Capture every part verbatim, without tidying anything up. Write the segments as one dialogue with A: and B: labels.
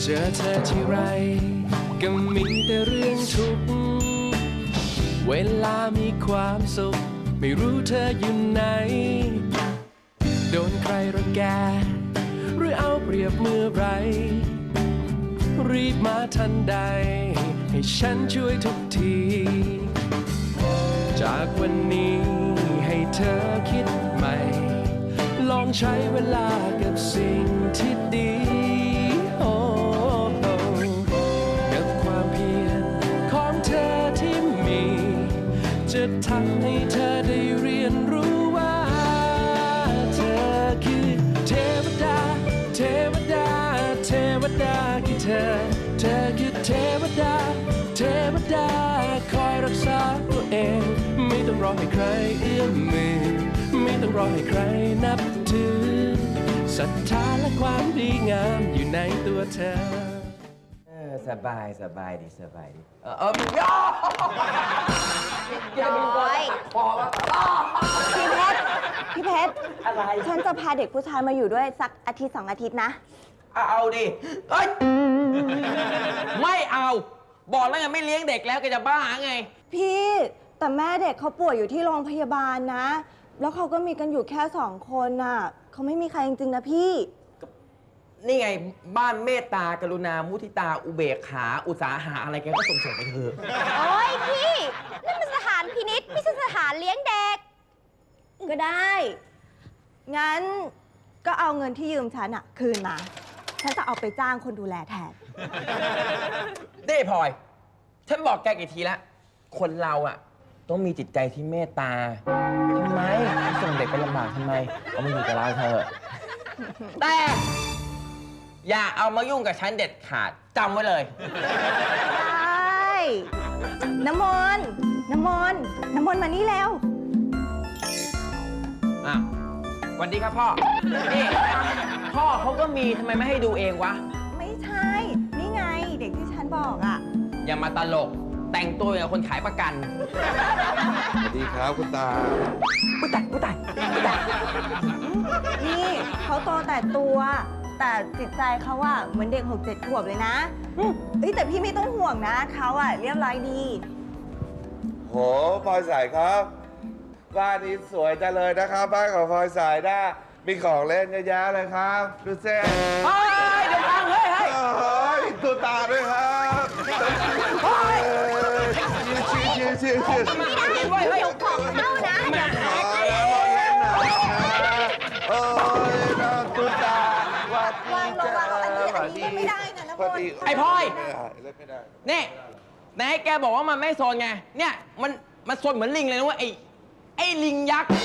A: จอเธอที่ไรก็มีแต่เรื่องทุกข์เวลามีความสุขไม่รู้เธออยู่ไหนโดนใครรังแกหรือเอาเปรียบเมื่อไรรีบมาทันใดให้ฉันช่วยทุกทีจากวันนี้ให้เธอคิดใหม่ลองใช้เวลากับสิ่งที่ดีโอ้กับความเพียรของเธอที่มีจะทำให้เธอได้เรียนรู้ว่าเธอคือเทวดาเทวดาเทวดาคือเธอเธอคือเทวดาเทวดาคอยรักษาตัวเองไม่ต้องรอให้ใครเอื้อมมือไม่ต้องรอให้ใครนับถือศรัทธาและความดีงามอยู่ในตัวเธอ
B: เออสบายสบายดีสบายดีเออเออย่อ
C: น้อยพี่เพชรพี่เพชรอะไรฉันจะพาเด็กผู้ชายมาอยู่ด้วยสักอาทิตย์สองอาทิตย์นะ
B: เอาดิเอ้ยไม่เอาบอกแล้วไงไม่เลี้ยงเด็กแล้วแกจะบ้าไง
C: พี่แต่แม่เด็กเขาป่วยอยู่ที่โรงพยาบาลนะแล้วเขาก็มีกันอยู่แค่สองคนน่ะเขาไม่มีใครจริงๆนะพี่
B: นี่ไงบ้านเมตตากรุณามุทิตาอุเบกขาอุตสาหะอะไรแกก็ส่งส่งไปเถอะ
C: โอ้ยพี่นั่นมันสถานพินิจไม่ใช่สถานเลี้ยงเด็กก็ได้งั้นก็เอาเงินที่ยืมฉันอะคืนมาฉันจะเอาไปจ้างคนดูแลแทน
B: เด้พลอยฉันบอกแกกี่ทีแล้วคนเราอะต้องมีจิตใจที่เมตตาทำไมส่งเด็กไปลำบากทำไมเอามาอยู่กับเราเถอะแต่อย่าเอามายุ่งกับฉันเด็ดขาดจำไว้เลย
C: ได้น้ำมนต์น้ำมนต์น้ำมนต์มานี่แล้ว
B: อ่ะสวัสดีครับพ่อนี่พ่อเขาก็มีทำไมไม่ให้ดูเองวะ
C: ไม่ใช่นี่ไงเด็กที่ฉันบอกอ่ะ
B: อย่ามาตลกแต่งตัวอย่างคนขายประกัน
D: สวัสดีครับคุณตา
B: ผู้ตายผู้ตายผู้ตาย
C: นี่เขาโตแต่ตัวแต่จิตใจเขาอะเหมือนเด็กหกเจ็ดขวบเลยนะเอ้ยแต่พี่ไม่ต้องห่วงนะเขาอะเรียบร้อยดี
D: โหพลอยสายครับบ้านนี้สวยจังเลยนะครับบ้านของพลอยสายนะมีของเล่นเยอะแยะเลยครับดูเซ่
B: เฮ้ยเดี๋ยวฟังเฮ้ยเฮ้ย
D: เฮ้ยตัวตาด้วยครับ
C: เฮ้ย
D: ชิวชิวชิวชิว
C: ไม่ได้เดี๋ยวของเข้านะอย่าแหกเลย
D: โอ้ยน้องตัวตาวัด
C: วางลงวางลงอันนี้อันนี้ไม่ได้นะนะพล
B: ไอ้พลอย
D: เล่นไม่ได้
B: นี่ไหนแกบอกว่ามันไม่โซนไงเนี่ยมันมันโซนเหมือนลิงเลยนะว่าไอ้ไอ้ลิงยักษ์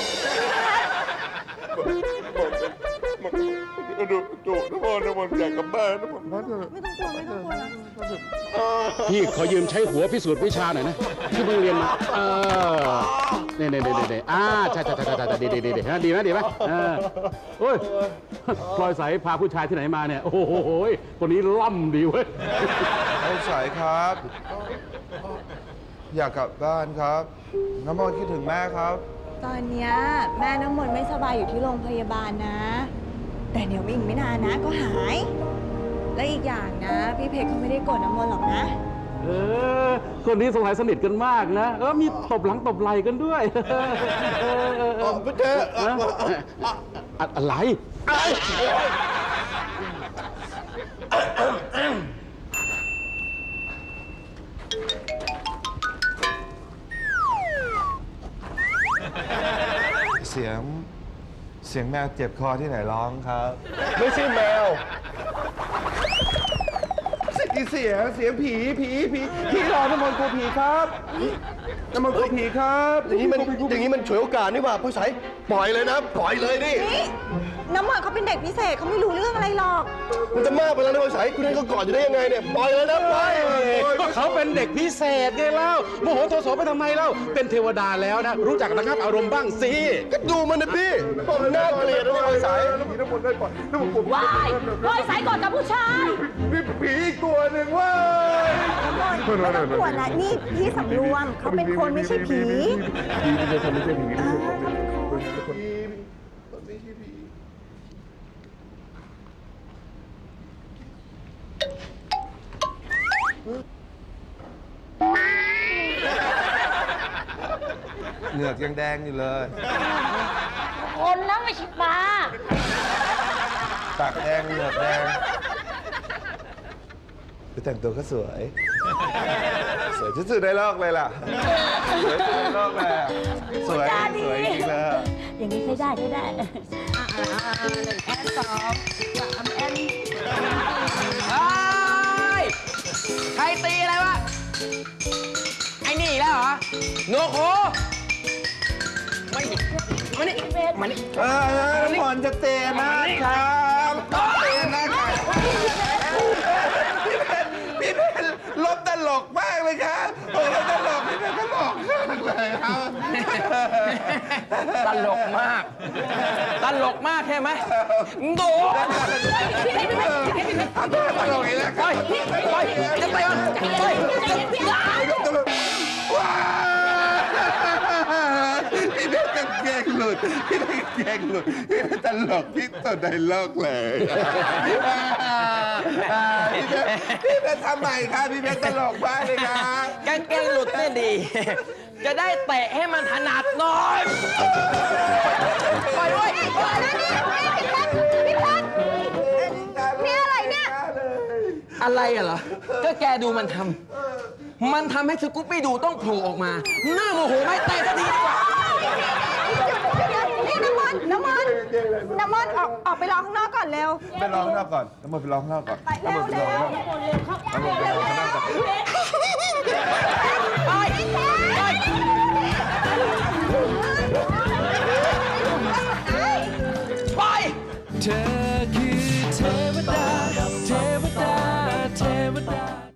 D: ดูดูน้ำมันน้ำมันอยากกลับบ้านน้ำมัน
C: ไม่ต้องกลัวไม่ต้องกลัวนะ
E: พี่ขอยืมใช้หัวพิสูจน์วิชาหน่อยนะที่เพิ่งเรียนมาเออเนี่ยเนี่ยเนี่ยเนี่ยอ่าใช่ใช่ใช่ใช่ดีดีดีดีนะดีไหมดีไหมเออโอ้ยพลอยใสพาผู้ชายที่ไหนมาเนี่ยโอ้โหคนนี้ล่ำดีเว้ย
D: พลอยใสครับอยากกลับบ้านครับน้ำมันคิดถึงแม่ครับ
C: ตอนเนี้ยแม่น้ำมนต์ไม่สบายอยู่ที่โรงพยาบาลนะแต่เดี๋ยวอีกไม่นานนะก็หายและอีกอย่างนะพี่เพชรเขาไม่ได้โกรธน้ำมนต์หรอกนะ
E: เออคนนี้สงสัยสนิทกันมากนะเออมีตบหลังตบไหล่กันด้วย
D: เออไม่เจอ
E: อะไร
D: เสียงเสียงแมวเจ็บคอที่ไหนร้องครับ
B: ไม่ใช่แมว
D: เสียงเสียงผีผีผีผีหลอกน้ำมันกลัวผีครับน้ำมันกลัวผีครับ
F: อย่างนี้มันอย่างนี้มันฉวยโอกาสนี่ว่าผู้ชายปล่อยเลยนะปล่อยเลยนี่
C: น้ำมันเขาเป็นเด็กพิเศษเขาไม่รู้เรื่องอะไรหรอก
F: มันจะมากไปแล้วนะผู้ชายคุณให้เขากอดอยู่ได้ยังไงเนี่ยปล่อยเลยนะปล่อย
E: ก็เขาเป็นเด็กพิเศษไงเล่าโมโหโทโสไปทำไมเล่าเป็นเทวดาแล้วนะรู้จักระงับอารมณ์บ้างสิ
F: ก็ดูมันนะพี่ผมน่าเกลียดนะผู้ชาย
D: น้ำมันได้ปล่อยน้ำมันกลัว
C: วายปล่อยสายก่อนกับผู้ชาย
D: มีผีอีกตัวหนึ่งว่า
C: น้ำมันไม่ต้องกลัวนะนี่พี่สำรวมเขาเป็นคนไม่ใช่ผี
D: ผีไม่ใช่คนไม่ใช่ผีไม่ใช่คนไม่ใช่ผี
C: พ
D: เหงือกยังแดงอยู่เลย
G: คนนะไม่ใช่ปลา
D: ปากแดงเหงือกแดงไปแต่งตัวก็สวย สวยที่สุดในโลกเลยล่ะ สวยที่สุดในโลกเลยอะสวยสวยจริงๆเลยอะ
G: อย่างนี้ใช้ได้ใช้ได้หนึ่งแอนสองสามแอน
B: เฮ้ย ใครตีอะไรวะ ไอ้นี่อีกแล้วเหรอโนโคมานี่มานี่มานี่
D: เออน้ำมนต์จะเตะนะครับเตะนะครับพี่เพนพี่เพนลบตลกมากเลยครับโอ้ลบตลกพี่เพนตลกมากเลยครับ
B: ตลกมาก ตลกมากใช่ไหมโด
D: ตลกอีกแล้วครับ
B: ไปจะไปวะไป
D: ว้าวพี่เพชรกางเกงหลุด พี่เพชรกางเกงหลุด พี่เพชรตลกที่สุดในโลกเลยพี่เพชรพี่เพชรทำใหม่ครับพี่เพชรตลกมากเลยครับ
B: กางเกงหลุดเนี่ยดี จะได้เตะให้มันถนัดหน่อยไปด้วย
C: นี่อะไรเนี่ย
B: อะไรอะเหรอ ก็แกดูมันทำ มันทำให้สกูปปี้ดูต้องโผล่ออกมา หน้าโมโหไหม่เตะสักทีดีกว่า
C: นี่น้ำมันน้ำมันน้ำมันออกออกไปรอข้างนอกก่อนเร็ว
D: ไปร้องข้างนอกก่อนน้ำมันไปร้องข้างนอกก่อน
C: ไปเร็วเร็ว
D: น้ำมันไปร้องข้างนอกก่อน
B: ไปไป เธอคือเทวดา